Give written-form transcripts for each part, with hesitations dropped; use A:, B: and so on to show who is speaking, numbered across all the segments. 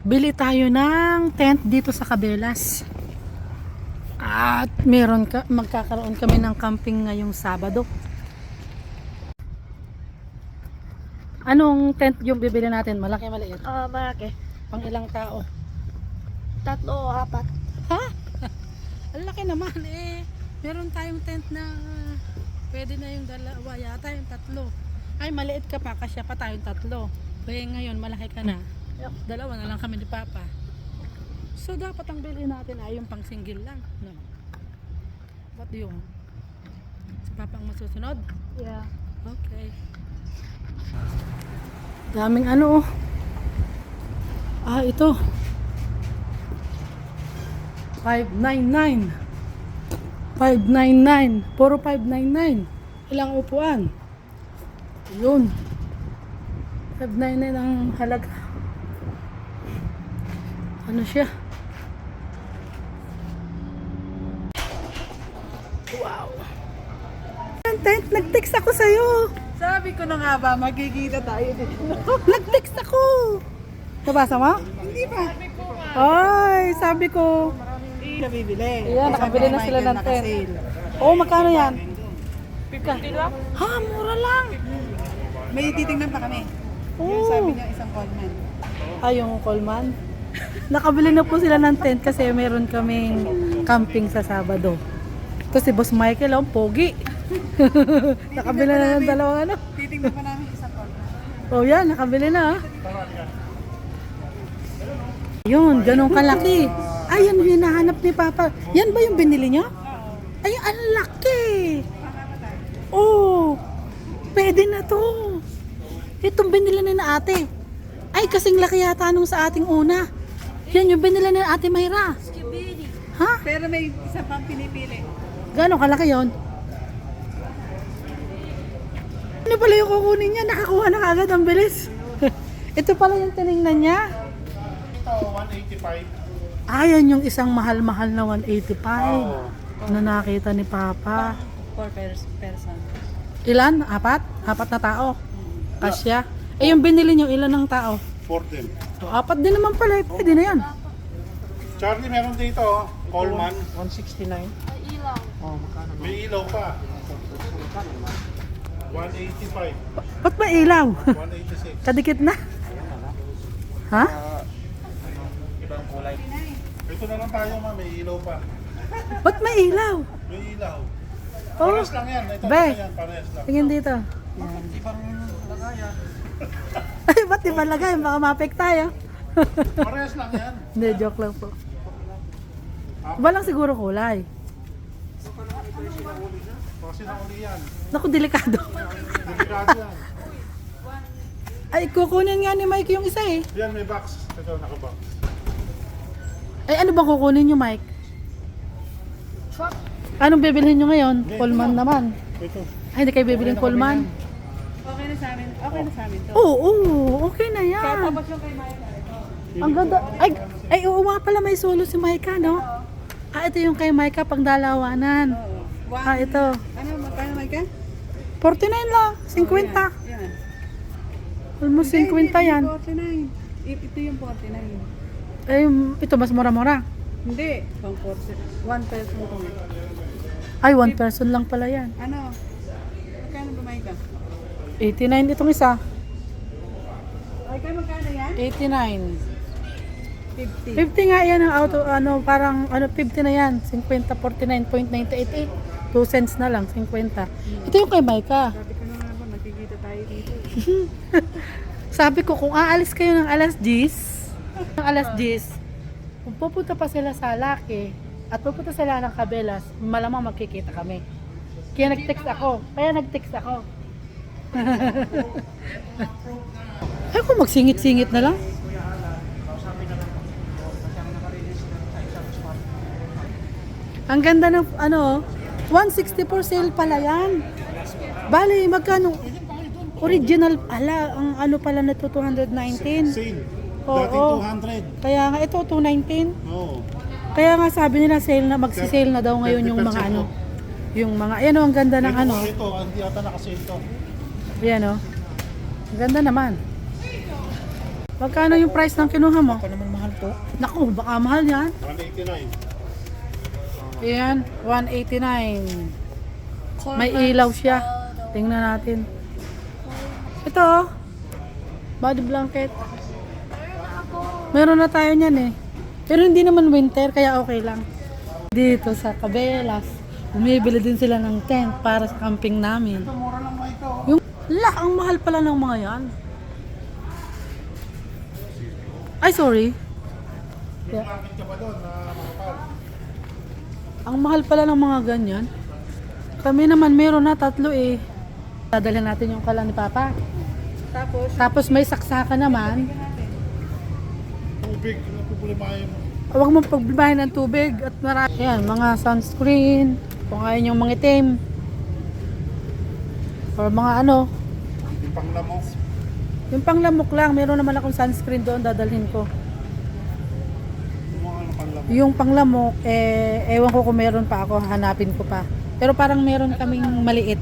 A: Bili tayo ng tent dito sa Cabelas. At magkakaroon kami ng camping ngayong Sabado. Anong tent yung bibili natin? Malaki, maliit?
B: Malaki.
A: Pang ilang tao?
B: 3 o 4.
A: Ha? Ang laki naman eh. Meron tayong tent na pwede na yung dalawa yata, yung 3. Ay, maliit ka pa, kasya pa tayong 3. Kaya ngayon, malaki ka na. Dalawa na lang kami ni Papa. So, dapat ang bilhin natin ay yung pang single lang. No? Ba't yung? Si Papa ang masusunod?
B: Yeah.
A: Okay. Daming ano oh. Ito. 599. 599. Puro 599. Ilang upuan? Yun. 599 ang halaga. Ano siya? Wow. Tent, nag-text ako sa'yo.
C: Sabi ko na nga ba, magkikita tayo dito.
A: Nag-text ako. Nabasa mo?
C: Hindi pa.
A: Ay, sabi ko.
C: Hindi bibili.
A: Ayan, nakabili na sila ng tent. Oo, magkano yan?
B: 50 lang?
A: Ha, mura lang.
C: May titingnan pa kami. Yung
A: Oo.
C: sabi niya isang Coleman.
A: Yung Coleman. Nakabili na po sila ng tent kasi meron kaming camping sa Sabado. Ito si Boss Michael, pogi. Nakabili na ng dalawang ano.
C: Titingnan pa namin isang Coleman.
A: Oh yan, nakabili na. Yun, ganun kalaki. Ay, yan yung hinahanap ni Papa. Yan ba yung binili niya? Ay, ang laki. Oh, pwede na to. Itong binili na ate. Ay, kasing laki yata nung sa ating una. Yan yung binili na ate Mayra. Ha?
C: Pero may isa pang pinipili.
A: Gano'ng kalaki yon? Ano pala yung kukunin niya? Nakakuha na kagad ang bilis. Ito pala yung tinignan niya.
D: Ito, 185.
A: Ayan yung isang mahal-mahal na 185 na nakita ni Papa.
C: 4 person.
A: Ilan? 4? 4 na tao. Kasya. Eh yung binili niyo, ilan ng tao?
D: 14.
A: So, 4 din naman pala. Pwede na yan.
D: Charlie, meron dito, Coleman.
C: 169.
B: Ay, ilaw.
C: Oh, magkano?
D: May ilaw pa. 185.
A: Ba't ba ilaw?
D: 186.
A: Kadikit na. Ha?
D: Ibang kulay. Ito na lang tayo, ma. May ilaw pa.
A: Ba't may ilaw?
D: May ilaw.
A: Oh,
D: Parehas lang yan. Ito
A: Be.
D: yan. Parehas lang.
A: tingin dito.
D: Ibang lagayan.
A: Ay, ba't di ba lagay? Baka mapek tayo.
D: Parehas lang yan.
A: Hindi, joke lang po. Walang siguro kulay.
D: Kasi nauli yan.
A: Naku, delikado.
D: Delikado yan.
A: Ay, kukunin nga ni Mike yung isa eh.
D: Yan, may box. Ito, nakabox.
A: Ay, ano bang kukunin nyo, Mike? Anong bibilhin nyo ngayon? Coleman naman.
D: Ito.
A: Ay, hindi kayo bibilhin Coleman?
C: Okay na sa amin. Okay na sa amin to.
A: Oo, okay na yan.
C: Tapos yung kay Maya.
A: Ang ganda. Ay, oo nga pala, may solo si Micah, no? Ito yung kay Micah pang dalawanan. Ito.
C: Ano, magkano Maya?
A: 49 lang, 50.
C: Yan.
A: Almost 50 yan.
C: 49. Ito yung 49.
A: Ay, ito mas mura-mura.
C: Hindi. Pang 40. 1 person ko.
A: Ay, 1 person lang pala yan.
C: Ano? Magkano ba Maya?
A: 89 itong isa.
C: Ay, kaya magkano yan?
A: 89.
C: 50.
A: 50 nga yan ang auto, parang 50 na yan. 50, 49.988. 2 cents na lang, 50. Ito yung kay Micah.
C: Sabi ko na nga ba, magkikita tayo dito.
A: Sabi ko, kung aalis kayo ng alas 10, kung pupunta pa sila sa Laki at pupunta sila ng Cabelas, malamang magkikita kami. Kaya nag-text ako. Ay, kung magsingit-singit na lang. Ang ganda ng 160 for sale pala yan. Bali, magkano? Original, ang pala na to 219.
D: Sale.
A: Oo.
D: Dating 200.
A: Kaya nga ito 219.
D: Oo.
A: Kaya nga sabi nila sale na magsi-sale na daw ngayon yung mga
D: 30%
A: yung mga ayan ang ganda ng
D: Ito, hindi ata nakasale to.
A: Ayan Ang ganda naman. Magkano yung price ng kinuha mo?
D: Ako naman mahal.
A: Naku, baka mahal yan.
D: 189.
A: Ayan, 189. May ilaw siya. Tingnan natin. Ito oh. Body blanket. Meron na tayo niyan eh. Pero hindi naman winter, kaya okay lang. Dito sa Cabelas, bumibili din sila ng tent para sa camping namin.
D: Ito, mura lang mga ito.
A: Yung, ang mahal pala ng mga yan. Ay, sorry.
D: May market ka pa doon na makapal.
A: Ang mahal pala ng mga ganyan. Kami naman meron na 3 eh. Dadalhin natin yung kala ni Papa. Tapos may saksaka naman.
D: Tubig, napupulimahin mo.
A: Huwag mo pagbibahin ng tubig at marami. Ayan, mga sunscreen. Kung ayaw yung mga itim. Or mga ano.
D: Yung panglamok.
A: Yung panglamok lang. Meron naman akong sunscreen doon. Dadalhin ko.
D: Yung mga ano panglamok.
A: Yung panglamok, ewan ko kung meron pa ako. Hanapin ko pa. Pero parang meron kaming maliit.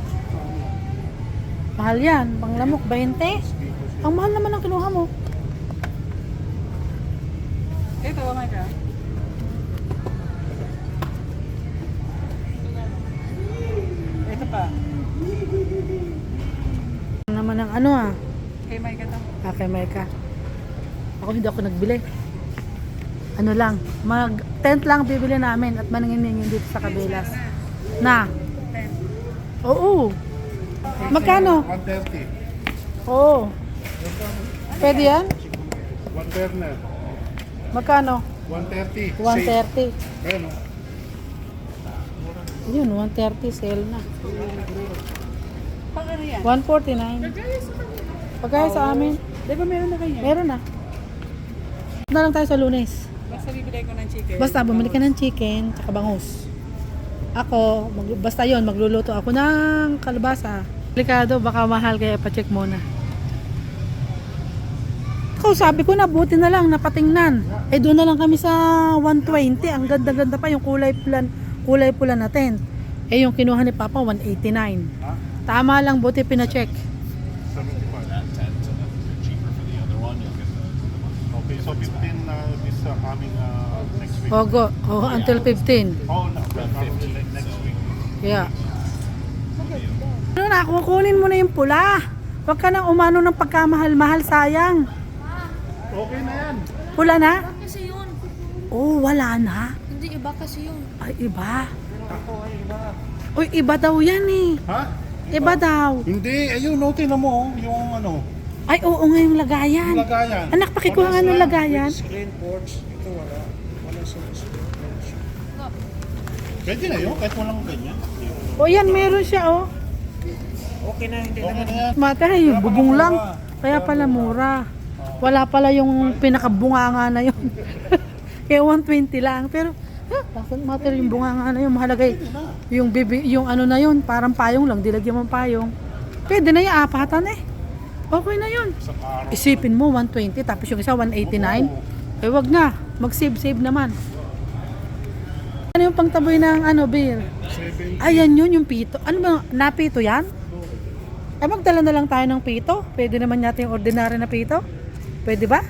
A: Mahal yan. Panglamok, 20. Ang mahal naman ang kinuha mo.
C: Ito, mga ka. Ito pa.
A: Naman ang ano ah.
C: Kay Mike ito.
A: Okay, Micah. Ako hindi ako nagbili. Ano lang, tent lang bibili namin at maningin dito sa Cabelas. Na. Oo. Magkano?
D: 130.
A: Oo. Pwede yan?
D: One burner.
A: Magkano?
D: 130.
A: 130.
D: Ayun o.
A: Yun, 130 sale na.
C: Pang ano yan?
A: 149. Pagkaya sa amin,
C: Di ba meron na kayo?
A: meron na. Na lang tayo sa Lunes.
C: Basta bibili ko ng chicken.
A: Basta bumili ka ng chicken tsaka bangus. Ako, basta yon magluluto ako ng kalabasa. Delikado, baka mahal kaya pa-check muna. Ako, sabi ko na, buti na lang, napatingnan. Eh, doon na lang kami sa 120. Ang ganda-ganda pa yung kulay pula na tent. Eh, yung kinuha ni Papa, 189.
D: Ha?
A: Tama lang, buti pina-check.
D: 75. Okay, so 15 this coming next week.
A: Ogo, until 15.
D: Oh, no, probably next week.
A: Yeah. Ano na, kukunin mo na yung pula. Huwag ka nang umano ng pagkamahal-mahal, sayang.
D: Okay na yan.
A: Pula na?
B: Iba kasi yun.
A: Oh, wala na.
B: Hindi iba kasi yun.
A: Ay, iba. Uy, iba daw yan eh.
D: Ha?
A: Iba daw.
D: Hindi, ayun, note na mo, yung ano,
A: Ay, oo nga yung lagayan.
D: yung lagayan.
A: Anak, pakikuha nga ng lagayan.
E: Screen ports, ito wala. Wala sa screen ports.
D: Pwede na yun, kahit walang ganyan.
A: O yan, meron siya oh.
E: Okay na, hindi
D: Okay
E: naman.
D: na yan.
A: Mata, yung bubong lang. Kaya pala mura. Wala pala yung pinakabunganga na yun. Kaya 120 lang. Pero, doesn't matter yung bunganga na yun. Mahalaga yung yung ano na yun, parang payong lang. Dilagyan mo payong. Pwede na yung apatan eh. Okay na yun.
D: Sa araw.
A: Isipin mo, 120, tapos yung isa 189. Eh, wag na. Mag-save naman. Ano yung pangtaboy ng ano, beer?
D: 70.
A: Ayan yun, yung pito. Ano ba, napito yan? Ay, magdala na lang tayo ng pito. Pwede naman yata yung ordinary na pito. Pwede ba?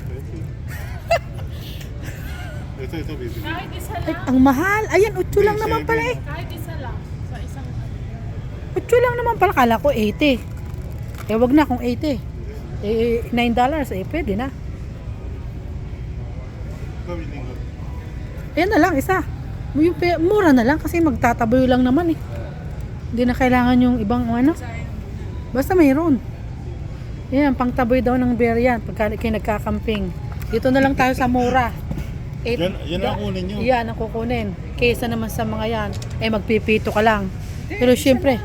D: Ito, baby.
A: Ay, ang mahal. Ayan, 8 lang naman pala eh.
B: Kahit isa lang. Sa isang
A: 8 lang naman pala. Kala ko 80. Eh, wag na kung 80. Eh, $9 eh, pwede na.
D: Gawin linggo.
A: Ayan na lang, isa. Yung mura na lang kasi magtataboy lang naman eh. Hindi na kailangan yung ibang ano. Basta mayroon. Yan, pangtaboy daw ng beer yan pagka kayo nagkakamping. Dito na lang tayo sa mura.
D: Yan ang kunin nyo.
A: Yan ang kukunin. Kesa naman sa mga yan, eh magpipito ka lang. Pero syempre,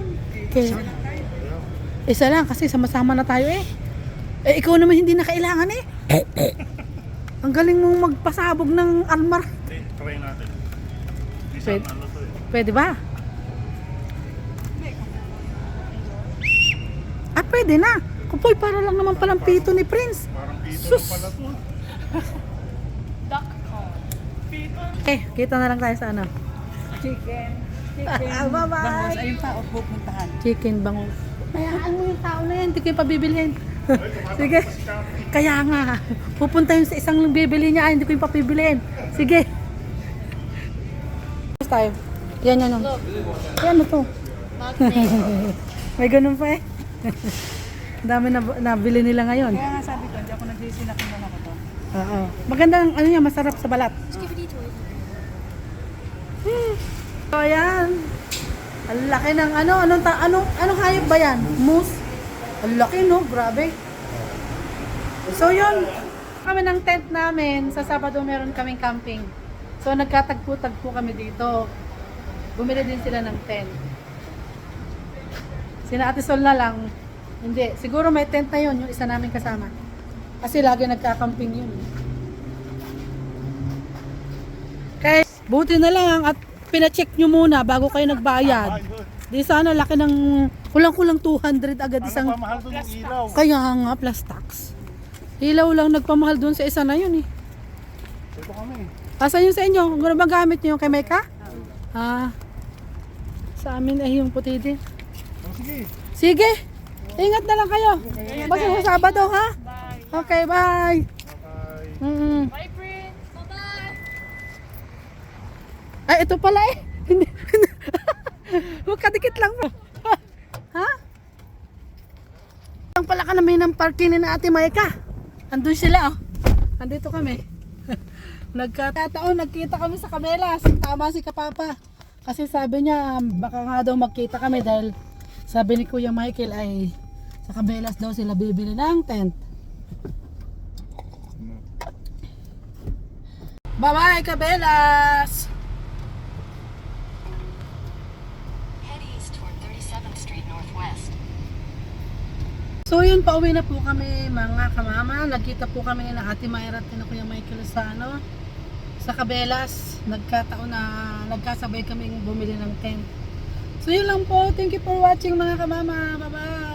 A: isa lang kasi sama-sama na tayo eh. Eh ikaw naman hindi na kailangan eh. Ang galing mong magpasabog ng almar.
D: Try natin.
A: Pwede.
D: Isang ano to eh.
A: Pwede ba? Ah, pwede na. Kupoy, para lang naman palang pito ni Prince.
D: Parang pito
A: Sus!
D: lang pala to.
B: duck call.
A: Eh, kita na lang tayo sa ano.
C: Chicken.
A: Bye-bye!
C: Bangus, ayun pa, o pupuntahan.
A: Chicken bangus. Mayaan mo yung tao na yan, hindi kayo pabibilhin. Sige. Kaya nga, pupunta yun sa isang bibili niya, hindi ko yung papibiliin. Sige. Tayo. Yan, yan.
B: Look,
A: Ano to?
B: magnet.
A: May ganun pa eh. Ang dami na nabili nila ngayon.
C: Kaya nga sabi ko, hindi ako nagsisi na kung ako to.
A: Oo. Magandang ano niya, masarap sa balat.
B: Skibidi toy.
A: So ayan. Ang laki ng anong hayop ba yan? Moose? Ang laki no, grabe. So yun, kami ng tent namin, sa Sabado meron kaming camping. So nagkatagpo-tagpo kami dito. Bumili din sila ng tent. Sina Ate Sol na lang, hindi. Siguro may tent na yun, yung isa namin kasama. Kasi lagi nagkakamping yun. Kaya buti na lang at pina-check nyo muna bago kayo nagbayad. Di sana laki ng kulang-kulang 200 agad isang.
D: Pamahal doon yung ilaw.
A: Kaya nga plus tax. Ilaw lang nagpamahal doon sa isa na yun eh.
D: Ito kami.
A: Asa yun sa inyo? Kung ano ba gamit nyo yung kay Mecca? Sa amin ay yung puti din.
D: Oh, sige.
A: Sige. Ingat na lang kayo. Basta sa Sabado ha? Okay, bye.
D: Bye.
B: Bye, Prince. Bye-bye.
A: Ay, ito pala eh. Hindi. Magkadikit lang mo. Ha? Ang pala ka namin ng parking ni na Ate Maika. Andun sila oh. Andito kami. Nagkataon, nagkita kami sa Camelas. Tama si Kapapa. Kasi sabi niya, baka nga daw magkita kami dahil sabi ni Kuya Michael ay sa Camelas daw sila bibili ng tent. Bye-bye, Cabelas!
F: Head east toward 37th Street Northwest.
A: So yun, pauwi na po kami mga kamama. Nagkita po kami na Ate Mayra at na Kuya Michael sa sa Cabelas. Nagkataon na nagkasabay kami bumili ng tent. So yun lang po. Thank you for watching mga kamama. Bye bye!